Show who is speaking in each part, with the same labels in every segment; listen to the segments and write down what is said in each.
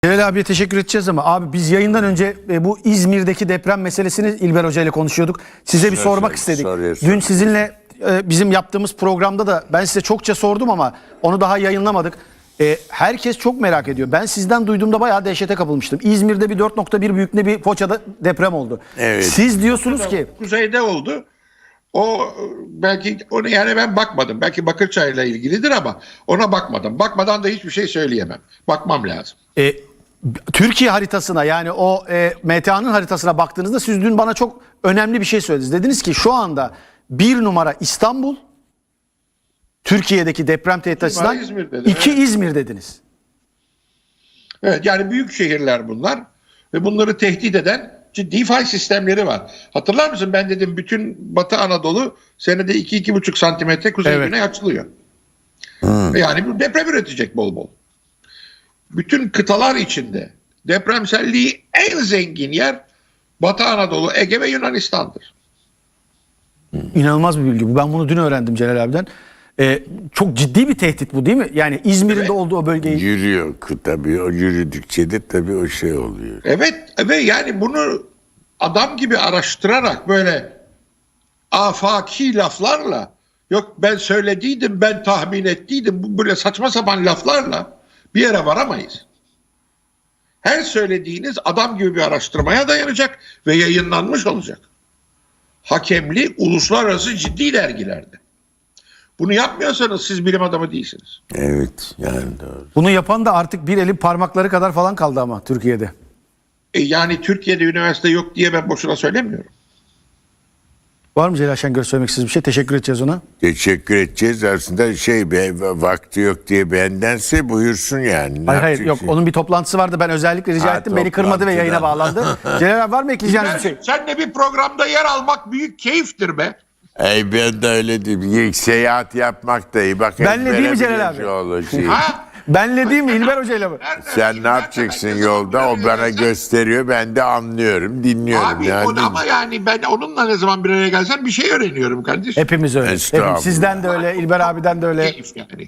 Speaker 1: Celal abiye teşekkür edeceğiz ama abi biz yayından önce bu İzmir'deki deprem meselesini İlber Hoca ile konuşuyorduk. Size bir sormak istedik. Dün sizinle bizim yaptığımız programda da ben size çokça sordum ama onu daha yayınlamadık. Herkes çok merak ediyor. Ben sizden duyduğumda bayağı dehşete kapılmıştım. İzmir'de bir 4.1 büyüklüğünde bir Foça'da deprem oldu.
Speaker 2: Evet.
Speaker 1: Siz diyorsunuz ki
Speaker 3: kuzeyde oldu. O belki onu yani ben bakmadım. Belki Bakırçay'la ilgilidir ama ona bakmadım. Bakmadan da hiçbir şey söyleyemem. Bakmam lazım.
Speaker 1: Türkiye haritasına yani o MTA'nın haritasına baktığınızda siz dün bana çok önemli bir şey söylediniz. Dediniz ki şu anda bir numara İstanbul, Türkiye'deki deprem tehdit açısından
Speaker 3: İzmir dedim,
Speaker 1: 2
Speaker 3: evet.
Speaker 1: İzmir dediniz.
Speaker 3: Evet, yani büyük şehirler bunlar ve bunları tehdit eden ciddi fay sistemleri var. Hatırlar mısın, ben dedim bütün Batı Anadolu senede 2-2,5 santimetre kuzey
Speaker 1: Evet.
Speaker 3: güney açılıyor. Yani bu deprem üretecek bol bol. Bütün kıtalar içinde depremselliği en zengin yer Batı Anadolu, Ege ve Yunanistan'dır.
Speaker 1: İnanılmaz bir bilgi bu. Ben bunu dün öğrendim Celal abiden. Çok ciddi bir tehdit bu değil mi? Yani İzmir'in
Speaker 3: Evet.
Speaker 1: de olduğu o bölgeyi.
Speaker 2: Yürüyor tabii, o yürüdükçe de tabii o şey oluyor.
Speaker 3: Evet ve yani bunu adam gibi araştırarak böyle afaki laflarla, yok ben söylediydim, ben tahmin ettiydim, bu böyle saçma sapan laflarla bir yere varamayız. Her söylediğiniz adam gibi bir araştırmaya dayanacak ve yayınlanmış olacak. Hakemli uluslararası ciddi dergilerde. Bunu yapmıyorsanız siz bilim adamı değilsiniz.
Speaker 2: Evet, yani doğru.
Speaker 1: Bunu yapan da artık bir elin parmakları kadar falan kaldı ama Türkiye'de.
Speaker 3: Yani Türkiye'de üniversite yok diye ben boşuna söylemiyorum.
Speaker 1: Var mı Celal Şengör söylemek istediğiniz bir şey? Teşekkür edeceğiz ona.
Speaker 2: Teşekkür edeceğiz aslında vakti yok diye bendense buyursun yani. Ne
Speaker 1: Hayır yok,
Speaker 2: yapacaksın?
Speaker 1: onun bir toplantısı vardı, ben özellikle rica
Speaker 2: Ha,
Speaker 1: ettim, beni kırmadı ve yayına bağlandı. Celal abi var mı ekleyeceğiniz bir şey?
Speaker 3: Senle bir programda yer almak büyük keyiftir be.
Speaker 2: Ben de öyle diyeyim. Seyahat yapmak da iyi. Bak,
Speaker 1: Benle değil mi Celal abi?
Speaker 3: Ha?
Speaker 1: Benle değil mi İlber Hoca ile mi?
Speaker 2: Sen ne yapacaksın yolda? O bana gösteriyor. Ben de anlıyorum, dinliyorum.
Speaker 3: Abi
Speaker 2: yani.
Speaker 3: o da ama yani ben onunla ne zaman bir araya gelsem bir şey öğreniyorum kardeşim.
Speaker 1: Hepimiz öyle.
Speaker 2: Estağfurullah.
Speaker 1: Hepimiz. Sizden de öyle, İlber abiden de öyle.
Speaker 3: Keyif yani.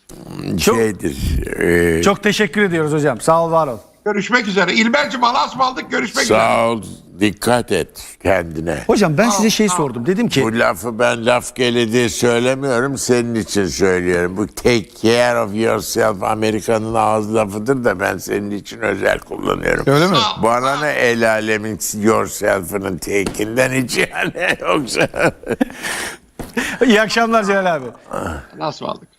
Speaker 2: Şeydir.
Speaker 1: Çok teşekkür ediyoruz hocam. Sağ ol, var ol.
Speaker 3: Görüşmek üzere. İlber'cim Allah'a ısmarladık, görüşmek üzere.
Speaker 2: Sağ ol. Dikkat et kendine.
Speaker 1: Hocam ben size şey sordum. Dedim ki
Speaker 2: Bu lafı ben laf geledi söylemiyorum. Senin için söylüyorum. Bu take care of yourself Amerika'nın ağız lafıdır da ben senin için özel kullanıyorum.
Speaker 1: öyle mi?
Speaker 2: Bana ne el alemin yourself'ının take'inden hiç yani yoksa.
Speaker 1: İyi akşamlar Celal abi.
Speaker 3: Allah'a ısmarladık.